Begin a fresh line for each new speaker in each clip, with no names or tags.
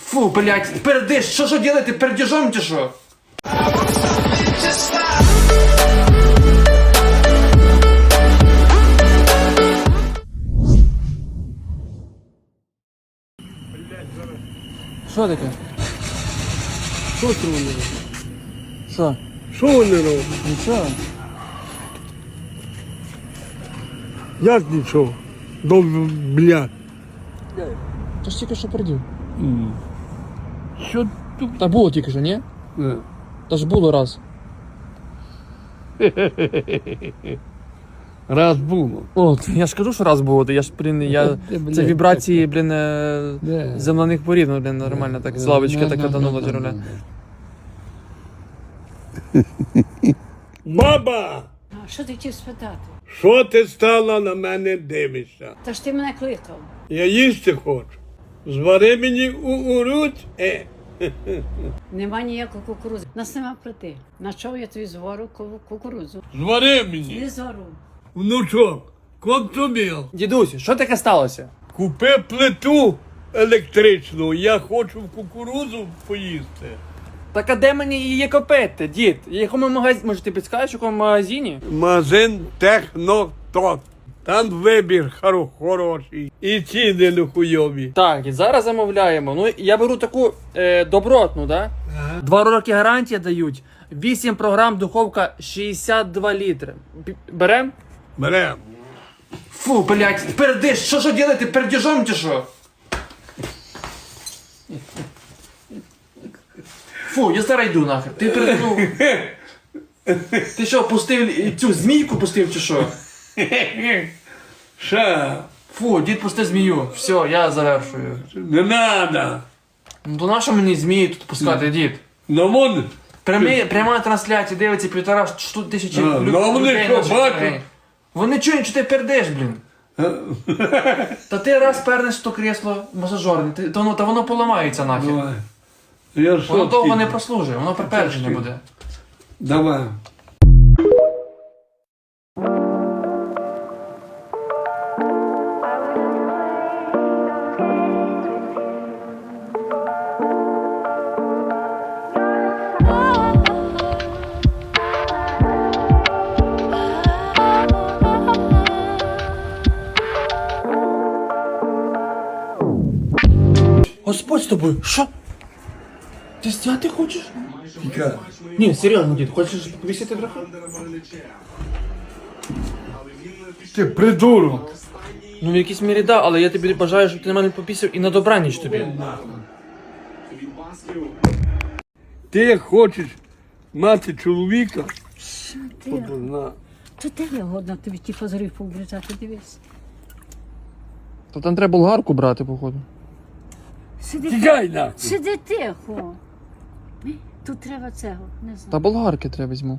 Фу, блядь, пердиш, що делаете, пердежом чи що? Що таке?
Що це вони роблять?
Що?
Що вони роблять?
Нічого.
Як нічого? Блядь.
Ти ж тільки що пердів.
Що тут?
Та було тільки що, ні? Та ж було раз.
Раз було.
От, я ж кажу, що раз було, я ж, це вібрації, земляних порід, ну, нормально так, з лавочки так катануло джереле.
Баба!
А що ти хотів спитати?
Що ти стала на мене дивишся?
Та ж ти мене кликав.
Я їсти хочу. Звари мені уруть.
Нема ніякої кукурудзи. Нас нема плити. На чого я тобі звору кукурудзу?
Звари мені.
Не зору.
Внучок, контоміл.
Дідусь, що таке сталося?
Купи плиту електричну, я хочу в кукурудзу поїсти.
Так а де мені її купити, дід? В якому магазині? Може ти підскажеш, в якому магазині?
Магазин Технотот. Там вибір хороший. І ціни нехуйові.
Так, і зараз замовляємо. Ну, я беру таку добротну, да? 2 роки гарантія дають. 8 програм, духовка 62 літри. Берем?
Берем.
Фу, блядь, пердиш, що делаете, пердежом чи що? Фу, я зараз йду нахер. Ти перднув. Ти що, пустив цю змійку пустив чи що?
Ша,
Фу, дід пустив змію. Все, я завершую.
не надо.
Ну то нащо мені змії тут пускати, дід?
Ну вон,
Пряма трансляція, дивиться 1,5 тисячі
ну вони що,
наших
бачать?
людей. Вони чують, що ти пердеш, блін. Та ти раз пернеш в то кресло масажорне, та воно поламається нахер.
давай. Я що
Воно довго
ти?
не прослужує, воно припердження буде.
Давай.
Господь з тобою, що? Ти стяти хочеш?
Тікай.
Ні, серйозно, дід, хочеш повісити трохи?
Ти придурок.
Ну в якійсь мірі да, але я тобі бажаю, щоб ти на мене попісив і на добраніч тобі.
Ти як хочеш мати чоловіка,
Ти,
на.
то де я годна тобі ті фазорів пообрізати, дивись.
То там треба болгарку брати, походу.
Тікай нахуй.
Сиди тихо. Тут треба цього, не знаю.
Та болгарки треба візьму.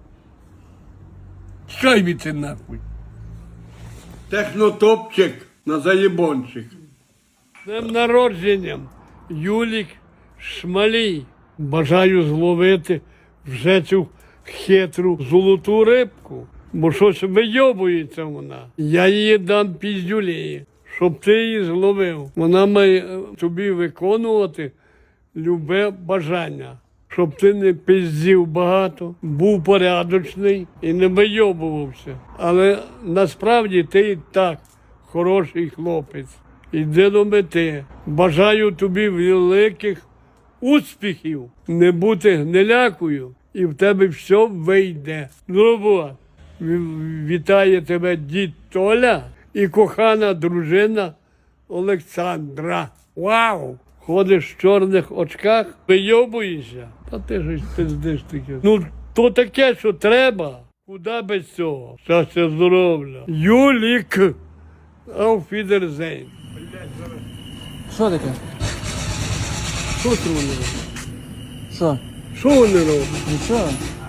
Тікай від це нахуй. Технотопчик на заєбончик. З днем народженням, Юлік Шмалій. Бажаю зловити вже цю хитру золоту рибку, бо щось вийобується вона. Я її дам піздюлеї, щоб ти її зловив. Вона має тобі виконувати любе бажання. Щоб ти не пиздів багато, був порядочний і не вийобувався. Але насправді ти і так хороший хлопець. Іди до мети. Бажаю тобі великих успіхів, не бути гнилякою, і в тебе все вийде. Ну, вітає тебе дід Толя і кохана дружина Олександра. Вау! Ходиш в чорних очках, вийобуєшся. Та ти ж пиздиш таке. Ну, то таке, що треба. Куди без цього? Щастя, здоров'я. Юлік. Auf Wiedersehen.
Що таке?
Що це вони роблять?
Що?
Що вони роблять?
Нічого.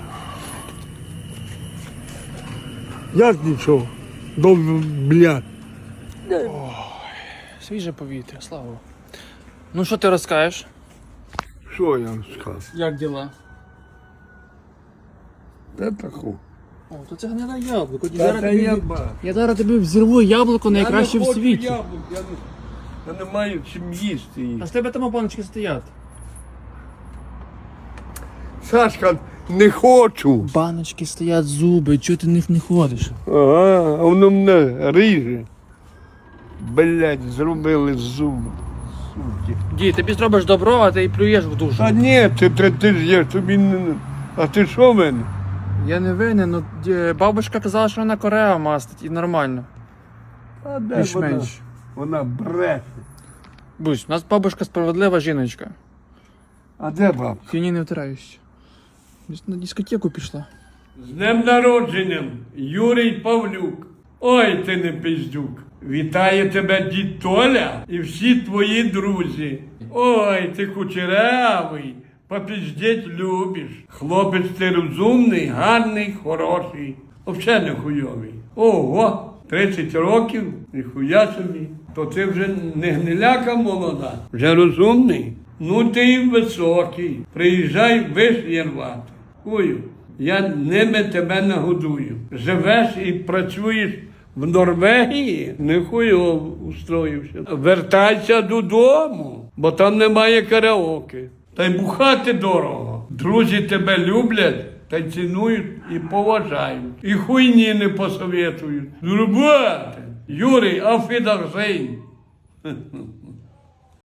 Як нічого? Блядь.
Свіже повітря, слава Богу. Ну що ти розкажеш?
Що я вам скажу?
Як діла?
Де таку?
О, то це гниле яблуко.
Та я бачу.
Я зараз тобі взірву яблуко найкраще в світі.
Я не маю чим їсти їх.
А з тебе там баночки стоять.
Сашка, не хочу.
Баночки стоять, зуби, чого ти в них не ходиш?
Ага, а воно мене ріже. Блять, зробили зуби. Суки.
Дій, тобі зробиш добро, а ти і плюєш в душу.
Та ні, ти ж я тобі не. А ти що в мене?
Я не винен, ну бабушка казала, що вона Корея мастить і нормально.
А де
Більш-менш.
Вона бреше.
Бусь, у нас бабушка справедлива жіночка.
А де баб?
Фіні не втираюсь. Десь на дискотеку пішла.
З днем народженням, Юрій Павлюк. Ой, ти не пиздюк. Вітає тебе дід Толя і всі твої друзі. Ой, ти кучерявий, попіздеть любиш. Хлопець ти розумний, гарний, хороший. Взагалі не хуйовий. Ого, 30 років, ніхуя собі. То ти вже не гниляка молода, вже розумний. Ну ти і високий. Приїжджай вишні рвати. Хую, я ними тебе нагодую. Живеш і працюєш в Норвегії, не хуйово устроївся. Вертайся додому, бо там немає караоке. Та й бухати дорого. Друзі тебе люблять, та й цінують і поважають. І хуйні не посоветують. Зробити. Юрій, афідахзейн.